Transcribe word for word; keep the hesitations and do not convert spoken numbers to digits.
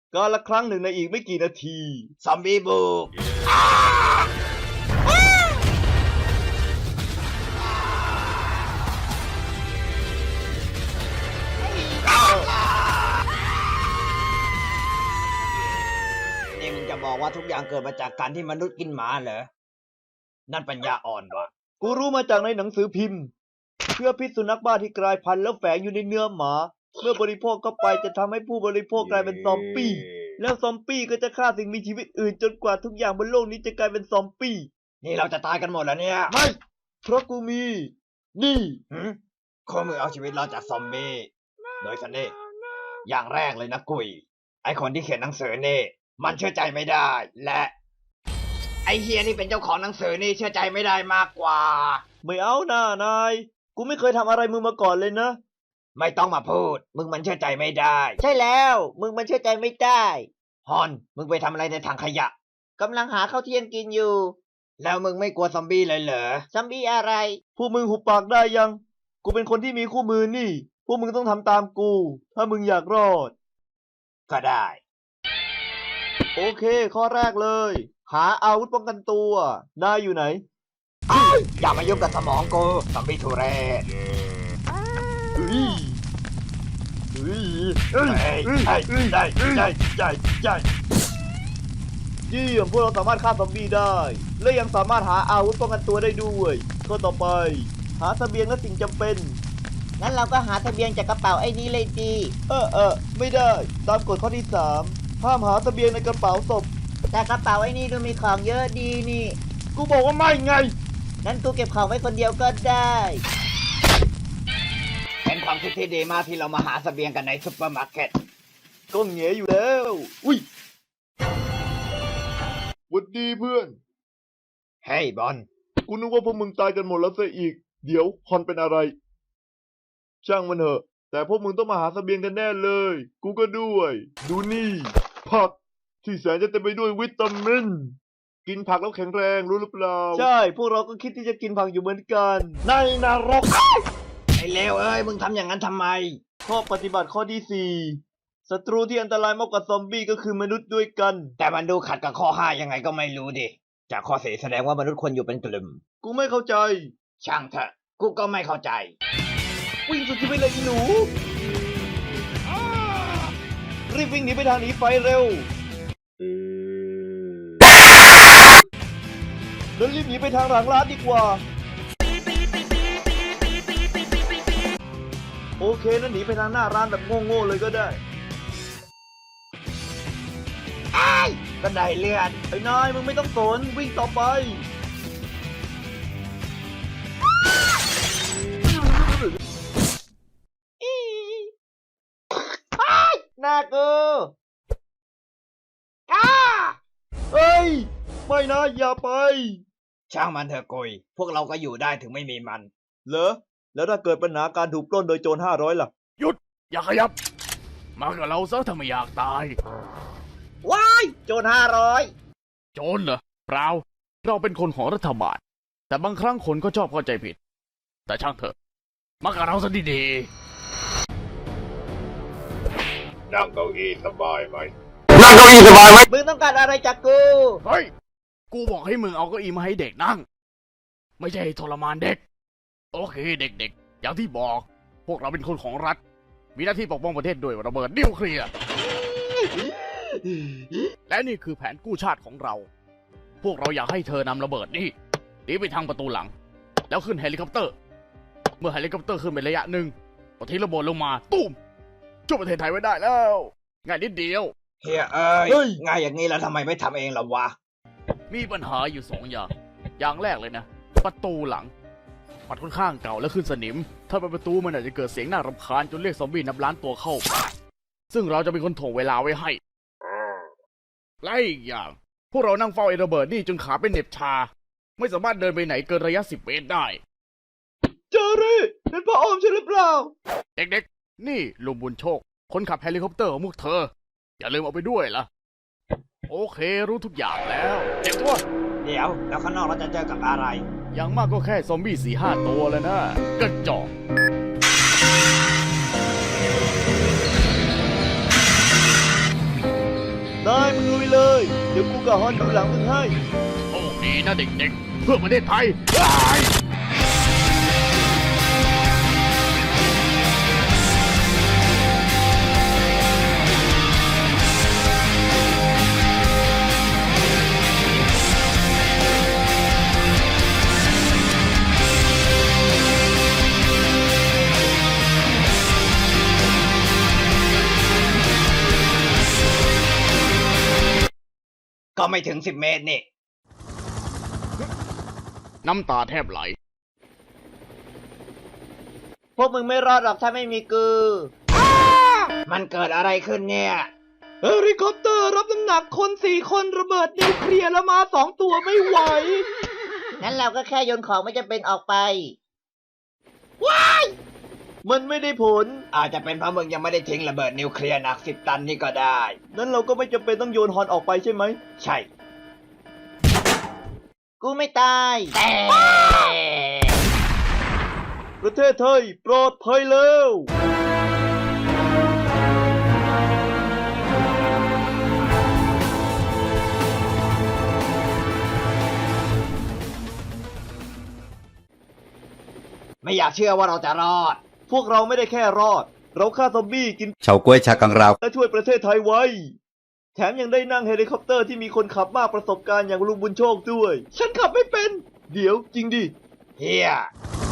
กาลครั้งหนึ่งในอีกไม่กี่นาทีซอมบี้บุกนี่มึงจะบอกว่าทุกอย่างเกิดมาจากการที่มนุษย์กินหมาเหรอนั่นปัญญาอ่อนวะกูรู้มาจากในหนังสือพิมพ์เพื่อพิษสุนัขบ้าที่กลายพันธุ์แล้วแฝงอยู่ในเนื้อหมาเมื่อบริโภคเข้าไปจะทำให้ผู้บริโภคกลายเป็นซอมบี้แล้วซอมบี้ก็จะฆ่าสิ่งมีชีวิตอื่นจนกว่าทุกอย่างบนโลกนี้จะกลายเป็นซอมบี้นี่เราจะตายกันหมดแล้วเนี่ยไม่เพราะกูมีนี่ข้อมือเอาชีวิตรอดจากซอมบี้โดยสันนี่อย่างแรกเลยนะกุยไอคนที่เขียนหนังสือนี่มันเชื่อใจไม่ได้และไอเฮียนี่เป็นเจ้าของหนังสือนี่เชื่อใจไม่ได้มากกว่าไม่เอาหน้านายกูไม่เคยทำอะไรมึงมาก่อนเลยนะไม่ต้องมาพูดมึงมันเชื่อใจไม่ได้ใช่แล้วมึงมันเชื่อใจไม่ได้ฮอนมึงไปทำอะไรในถังขยะกำลังหาข้าวเที่ยงกินอยู่แล้วมึงไม่กลัวซอมบี้เลยเหรอซอมบี้อะไรพวกมึงหุบปากได้ยังกูเป็นคนที่มีคู่มือนี่พวกมึงต้องทำตามกูถ้ามึงอยากรอดก็ได้โอเคข้อแรกเลยหาอาวุธป้องกันตัวนายอยู่ไหนอย่ามายุ่งกับสมองกูซอมบี้ทุเรศเฮ้ยเฮ้ยเฮ้ยได้ได้ได้ได้ได้เยี่ยมพวกเราสามารถฆ่าซอมบี้ได้และยังสามารถหาอาวุธป้องกันตัวได้ด้วยข้อต่อไปหาเสบียงและสิ่งจำเป็นงั้นเราก็หาเสบียงจากกระเป๋าไอ้นี้เลยดีเออเออไม่ได้ตามกฎข้อที่สามห้ามหาเสบียงในกระเป๋าศพแต่กระเป๋าไอ้นี่ดูมีของเยอะดีนี่กูบอกว่าไม่ไงงั้นกูเก็บของไว้คนเดียวก็ได้เป็นความคิดที่ดีมากที่เรามาหาเสบียงกันในซุปเปอร์มาร์เก็ตก็เหงียอยู่แล้วอุ้ยหวัดดีเพื่อนเฮ้ยบอลกูนึกว่าพวกมึงตายกันหมดแล้วซะอีกเดี๋ยวฮอนเป็นอะไรช่างมันเถอะแต่พวกมึงต้องมาหาเสบียงกันแน่เลยกูก็ด้วยดูนี่ผักที่แสนจะเต็มไปด้วยวิตามินกินผักแล้วแข็งแรงรู้หรือเปล่าใช่พวกเราก็คิดที่จะกินผักอยู่เหมือนกันในนรกไอ้เลวเอ้ยมึงทำอย่างนั้นทำไมข้อปฏิบัติข้อที่สี่ศัตรูที่อันตรายมากกว่าซอมบี้ก็คือมนุษย์ด้วยกันแต่มันดูขัดกับข้อห้ายังไงก็ไม่รู้ดิจากข้อสี่แสดงว่ามนุษย์ควรอยู่เป็นกลุ่มกูไม่เข้าใจช่างเถอะกูก็ไม่เข้าใจวิ่งสุดที่ไปเลยอีหนูรีบวิ่งหนีไปทางหนีไฟเร็วแล้วรีบหนีไปทางหลังร้านดีกว่าโอเคนั่นหนีไปทางหน้าร้านแบบโง่ๆเลยก็ได้ไอ้บันไดเลื่อนไอ้นายมึงไม่ต้องสนวิ่งต่อไปหน้ากูอ้าเฮ้ยไม่นะอย่าไปช่างมันเถอะกุยพวกเราก็อยู่ได้ถึงไม่มีมันเหรอแล้วถ้าเกิดปัญหาการถูกปล้นโดยโจรห้าร้อยล่ะหยุดอย่าขยับมากับเราซะถ้าไม่อยากตายว้ายโจรห้าร้อยโจรเหรอเปล่าเราเป็นคนของรัฐบาลแต่บางครั้งคนก็ชอบเข้าใจผิดแต่ช่างเถอะมากับเราซะดีๆนั่งเก้าอี้สบายไหมนั่งเก้าอี้สบายไหมมึงต้องการอะไรจากกูเฮ้ยกูบอกให้มึงเอาเก้าอี้มาให้เด็กนั่งไม่ใช่ทรมานเด็กโอเคเด็กๆอย่างที่บอกพวกเราเป็นคนของรัฐมีหน้าที่ปกป้องประเทศด้วยระเบิดนิวเคลียร์และนี่คือแผนกู้ชาติของเราพวกเราอยากให้เธอนำระเบิดนี่หนีไปทางประตูหลังแล้วขึ้นเฮลิคอปเตอร์เมื่อเฮลิคอปเตอร์ขึ้นไประยะหนึ่งก็ทิ้งระเบิดลงมาตุ้มช่วยประเทศไทยไว้ได้แล้วง่ายนิดเดียวเฮียเอ้ยง่ายอย่างนี้แล้วทำไมไม่ทำเองล่ะวะมีปัญหาอยู่สองอย่างอย่างแรกเลยนะประตูหลังมันค่อนข้างเก่าและขึ้นสนิมถ้าเป็นประตูมันอาจจะเกิดเสียงน่ารำคาญจนเรียกซอมบี้นับล้านตัวเข้าซึ่งเราจะเป็นคนถ่วงเวลาไว้ให้และอีกอย่างพวกเรานั่งเฝ้าไอ้ระเบิดนี่จนขาเป็นเหน็บชาไม่สามารถเดินไปไหนเกินระยะสิบเมตรได้เจอรี่เป็นพ่ออมใช่หรือเปล่าเด็กๆนี่ลุงบุญโชคคนขับเฮลิคอปเตอร์ของพวกเธออย่าลืมเอาไปด้วยล่ะโอเครู้ทุกอย่างแล้วเจ็บตัวเดี๋ยวแล้วข้างนอกเราจะเจอกับอะไรอย่างมากก็แค่ซอมบี้สี่ห้าตัวแล้วนะกระจอกเดี๋ยวกูกับฮอนดูหลังมึงให้โชคดีนะเด็กๆ เพื่อประเทศไทยก็ไม่ถึงสิบเมตรนี่น้ำตาแทบไหลพวกมึงไม่รอดหรอกถ้าไม่มีกูมันเกิดอะไรขึ้นเนี่ยเฮลิคอปเตอร์รับน้ำหนักคนสี่คนระเบิดนิวเคลียร์แล้วมาสองตัวไม่ไหวงั้นเราก็แค่โยนของไม่จำเป็นออกไปมันไม่ได้ผลอาจจะเป็นเพราะมึงยังไม่ได้ทิ้งระเบิดนิวเคลียร์หนักสิบตันนี่ก็ได้นั้นเราก็ไม่จำเป็นต้องโยนฮอนออกไปใช่ไหมใช่กูไม่ตายแต่ประเทศไทยปลอดภัยแล้วไม่อยากเชื่อว่าเราจะรอดพวกเราไม่ได้แค่รอด เราฆ่าซอมบี้กินเฉาก๊วยชากังราวและช่วยประเทศไทยไว้ แถมยังได้นั่งเฮลิคอปเตอร์ที่มีคนขับมากประสบการณ์อย่างลุงบุญโชคด้วย ฉันขับไม่เป็น เดี๋ยวจริงดิเฮีย